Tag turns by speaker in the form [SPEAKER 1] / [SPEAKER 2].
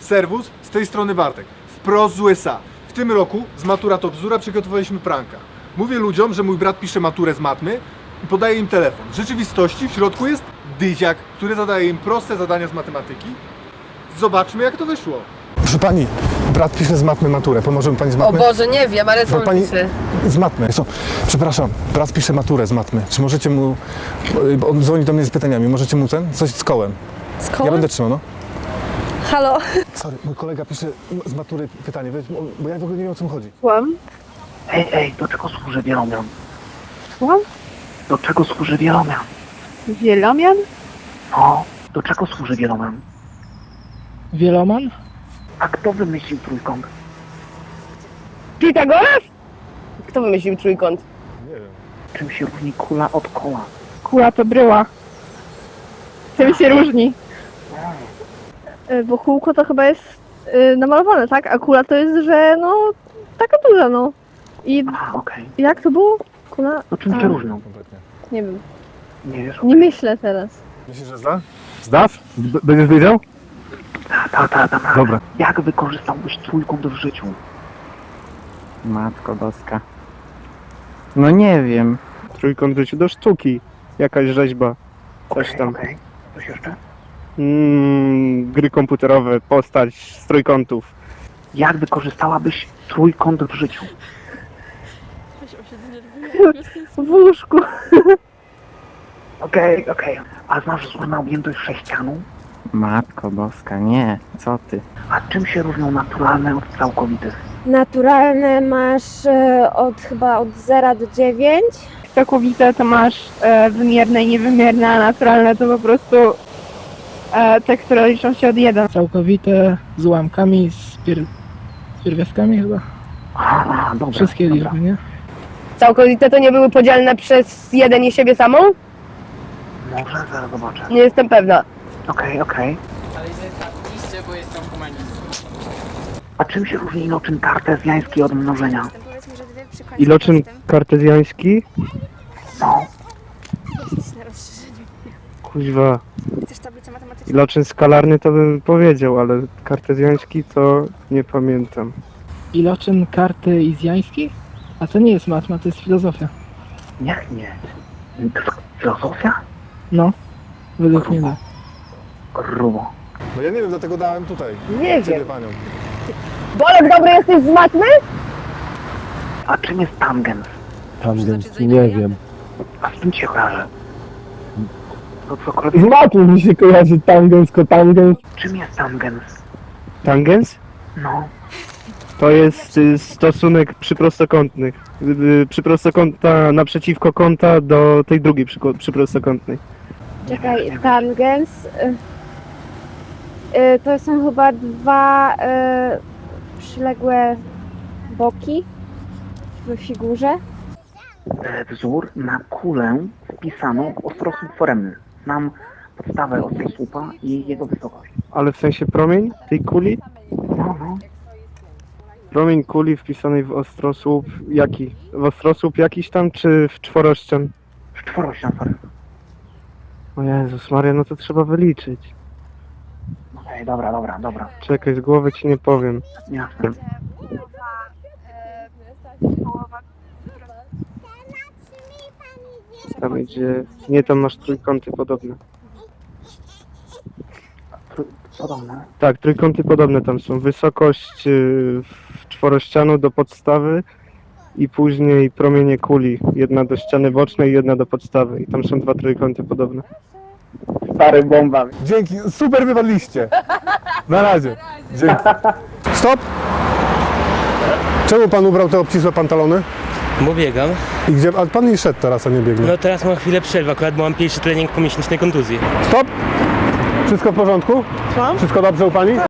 [SPEAKER 1] Serwus, z tej strony Bartek. Wprost z USA. W tym roku z Matura to bzdura przygotowaliśmy pranka. Mówię ludziom, że mój brat pisze maturę z matmy i podaje im telefon. W rzeczywistości w środku jest dyziak, który zadaje im proste zadania z matematyki. Zobaczmy, jak to wyszło. Proszę pani, brat pisze z matmy maturę. Pomoże mi pani z matmy?
[SPEAKER 2] O Boże, nie wiem, ale co
[SPEAKER 1] pani
[SPEAKER 2] pisze?
[SPEAKER 1] z matmy. Przepraszam, brat pisze maturę z matmy. Czy możecie mu... On dzwoni do mnie z pytaniami. Możecie mu coś z kołem?
[SPEAKER 2] Z kołem?
[SPEAKER 1] Ja będę trzymał, no.
[SPEAKER 2] Halo?
[SPEAKER 1] Sorry, mój kolega pisze z matury pytanie, bo ja w ogóle nie wiem, o co mu chodzi.
[SPEAKER 3] Słucham?
[SPEAKER 4] Ej, do czego służy wielomian?
[SPEAKER 3] Słucham?
[SPEAKER 4] Do czego służy wielomian?
[SPEAKER 3] Wielomian?
[SPEAKER 4] No, do czego służy wielomian?
[SPEAKER 3] Wieloman?
[SPEAKER 4] A kto wymyślił trójkąt?
[SPEAKER 2] Pitagoras? Kto wymyślił trójkąt?
[SPEAKER 1] Nie wiem.
[SPEAKER 4] Czym się różni kula od koła?
[SPEAKER 3] Kula to bryła. Czym się różni? Bo kółko to chyba jest namalowane, tak? A kula to jest, że no taka duża, no. I
[SPEAKER 4] A, okej.
[SPEAKER 3] jak to było? Kula?
[SPEAKER 4] No czym się różnią?
[SPEAKER 1] Kompletnie.
[SPEAKER 3] Nie wiem.
[SPEAKER 4] Nie wiesz?
[SPEAKER 3] Nie myślę teraz.
[SPEAKER 1] Myślisz, że zda? Zdasz? Będziesz wiedział?
[SPEAKER 4] Ta.
[SPEAKER 1] Dobra.
[SPEAKER 4] Jak wykorzystałbyś trójkąt w życiu?
[SPEAKER 5] Matko boska. No nie wiem.
[SPEAKER 6] Trójkąt w życiu do sztuki. Jakaś rzeźba. Coś tam.
[SPEAKER 4] Okej. Coś jeszcze?
[SPEAKER 6] Gry komputerowe, postać z trójkątów.
[SPEAKER 4] Jak wykorzystałabyś trójkąt w życiu?
[SPEAKER 3] W łóżku.
[SPEAKER 4] Okej. A znasz wzór objętość sześcianu?
[SPEAKER 5] Matko boska, nie. Co ty?
[SPEAKER 4] A czym się różnią naturalne od całkowitych?
[SPEAKER 7] Naturalne masz chyba od 0 do 9.
[SPEAKER 3] Całkowite to masz wymierne i niewymierne, a naturalne to po prostu te, które liczą się od 1.
[SPEAKER 8] Całkowite z ułamkami, z pierwiastkami chyba.
[SPEAKER 4] A, dobra.
[SPEAKER 8] Wszystkie
[SPEAKER 4] dobra.
[SPEAKER 8] liczby, nie?
[SPEAKER 2] Całkowite to nie były podzielne przez jeden i siebie samą?
[SPEAKER 4] Może zaraz zobaczę.
[SPEAKER 2] Nie jestem pewna.
[SPEAKER 4] Okej.
[SPEAKER 5] Ale zapiszcie, bo jestem humanistą.
[SPEAKER 4] A czym się różni iloczyn kartezjański od mnożenia?
[SPEAKER 6] Iloczyn kartezjański?
[SPEAKER 4] No.
[SPEAKER 6] Kuźwa. Iloczyn skalarny to bym powiedział, ale kartezjański to nie pamiętam.
[SPEAKER 8] Iloczyn kartezjański? A to nie jest matma, to jest filozofia.
[SPEAKER 4] Niech nie. Filozofia?
[SPEAKER 8] No, według mnie tak.
[SPEAKER 4] Grubo.
[SPEAKER 1] No ja nie wiem, dlatego dałem tutaj.
[SPEAKER 2] Nie
[SPEAKER 1] Ciebie
[SPEAKER 2] wiem.
[SPEAKER 1] panią.
[SPEAKER 2] Bolek, dobry jesteś z matmy?
[SPEAKER 4] A czym jest tangens?
[SPEAKER 9] Tangens, nie wiem.
[SPEAKER 4] A z czym ci się kojarzy? To cokolwiek.
[SPEAKER 9] Z matmy mi się kojarzy tangens, kotangens.
[SPEAKER 4] Czym jest tangens?
[SPEAKER 6] Tangens?
[SPEAKER 4] No.
[SPEAKER 6] To jest stosunek przyprostokątnych. Przyprostokąta naprzeciwko kąta do tej drugiej przyprostokątnej.
[SPEAKER 7] Czekaj, tangens. To są chyba dwa przyległe boki w figurze.
[SPEAKER 4] Wzór na kulę wpisano w ostrosłup foremny. Znam podstawę ostrosłupa i jego wysokość.
[SPEAKER 6] Ale w sensie promień tej kuli?
[SPEAKER 4] No.
[SPEAKER 6] Promień kuli wpisanej w ostrosłup jaki? W ostrosłup jakiś tam, czy w czworościan?
[SPEAKER 4] Czworościan, sorry.
[SPEAKER 6] O Jezus Maria, no to trzeba wyliczyć.
[SPEAKER 4] Okej, dobra.
[SPEAKER 6] Czekaj, z głowy ci nie powiem.
[SPEAKER 4] Jasne.
[SPEAKER 6] Tam idzie... Nie, tam masz trójkąty podobne.
[SPEAKER 4] Podobne.
[SPEAKER 6] Tak, trójkąty podobne tam są. Wysokość czworościanu do podstawy i później promienie kuli. Jedna do ściany bocznej, jedna do podstawy. I tam są dwa trójkąty podobne.
[SPEAKER 9] Stary bomba.
[SPEAKER 1] Dzięki, super wypadliście. Na razie. Dzięki. Stop! Czemu pan ubrał te obcisłe pantalony?
[SPEAKER 10] Bo biegam.
[SPEAKER 1] I gdzie? A pan nie szedł teraz, a nie biegnie.
[SPEAKER 10] No teraz mam chwilę przerwy, akurat mam pierwszy trening po miesięcznej kontuzji.
[SPEAKER 1] Stop! Wszystko w porządku? Wszystko dobrze u pani?